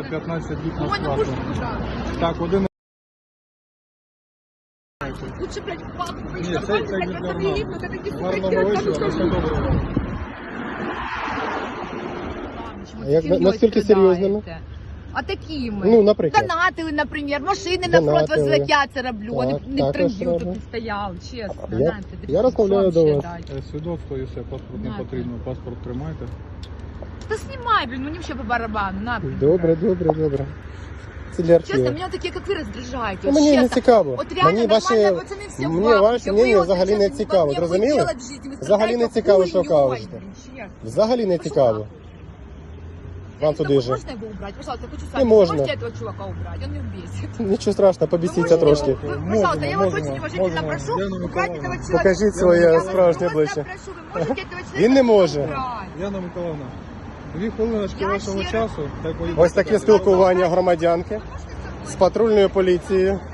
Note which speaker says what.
Speaker 1: має 15 діб на
Speaker 2: Ой, ну
Speaker 1: сплату.
Speaker 2: пушку, пожалуйста.
Speaker 1: Так, один...
Speaker 2: Лучше, блядь, в папу
Speaker 1: Ні,
Speaker 2: вийшла,
Speaker 1: це
Speaker 2: блядь,
Speaker 1: не
Speaker 2: просто
Speaker 1: нормально.
Speaker 2: приїхали, такі
Speaker 1: Гарного
Speaker 2: сука,
Speaker 1: вечора, на все добре.
Speaker 3: А як, наскільки серйозними?
Speaker 2: А такими.
Speaker 3: Ну, наприклад.
Speaker 2: Донатили, наприклад, машини на фронт
Speaker 3: Донатили.
Speaker 2: возле, я це роблю, а
Speaker 3: Так,
Speaker 2: не
Speaker 3: також
Speaker 2: трендів
Speaker 3: роблю.
Speaker 2: тут стояв, чесно.
Speaker 3: Я-
Speaker 2: знаєте,
Speaker 3: я розмовляю до вас.
Speaker 1: Свідоцтво і все, паспорт не
Speaker 2: На,
Speaker 1: потрібно. Паспорт тримайте.
Speaker 2: Та знімай, блін, мені ще по барабану, на.
Speaker 3: Добре, добре, добре. Це для
Speaker 2: Чесно,
Speaker 3: архіву.
Speaker 2: мене такі, як ви, роздражаєте.
Speaker 3: Ну,
Speaker 2: от
Speaker 3: мені не
Speaker 2: чесно.
Speaker 3: цікаво.
Speaker 2: От реально
Speaker 3: Мені ваші,
Speaker 2: нормально, пацани всі в
Speaker 3: мені
Speaker 2: бабки.
Speaker 3: ваше
Speaker 2: Ви
Speaker 3: мнення
Speaker 2: от
Speaker 3: взагалі не
Speaker 2: чесно,
Speaker 3: цікаво,
Speaker 2: ви
Speaker 3: зрозуміли?
Speaker 2: делать в житті, ви
Speaker 3: Взагалі не
Speaker 2: страдаєте
Speaker 3: цікаво, що
Speaker 2: хуйньою,
Speaker 3: кажете.
Speaker 2: блін, чесно.
Speaker 3: Взагалі не
Speaker 2: Пошла
Speaker 3: цікаво.
Speaker 2: нахуй.
Speaker 3: Вам туди же.
Speaker 2: Можно его убрать? Пожалуйста, хочу с
Speaker 3: Не
Speaker 2: вами.
Speaker 3: можно.
Speaker 2: Можете этого чувака убрать? Он меня бесит.
Speaker 3: Нічого страшного,
Speaker 2: Вы
Speaker 3: побісіться
Speaker 2: можете
Speaker 3: трошки.
Speaker 2: его- вы, пожалуйста, я вас
Speaker 1: Можемо,
Speaker 2: очень уважительно
Speaker 1: можемо.
Speaker 2: прошу
Speaker 1: Яна
Speaker 2: убрать
Speaker 1: Миколаївна.
Speaker 2: этого человека.
Speaker 3: Покажіть
Speaker 2: Я
Speaker 3: своє
Speaker 2: вас
Speaker 3: справжнє
Speaker 2: просто
Speaker 3: обличчя.
Speaker 2: прошу, вы можете этого человека
Speaker 3: Він не може.
Speaker 2: убрать?
Speaker 1: Яна Миколаївна, 2 хвилиночки
Speaker 2: Я
Speaker 1: вашого
Speaker 2: ще-
Speaker 1: часу. Хай поїде.
Speaker 3: Ось таке спілкування громадянки з патрульною поліцією.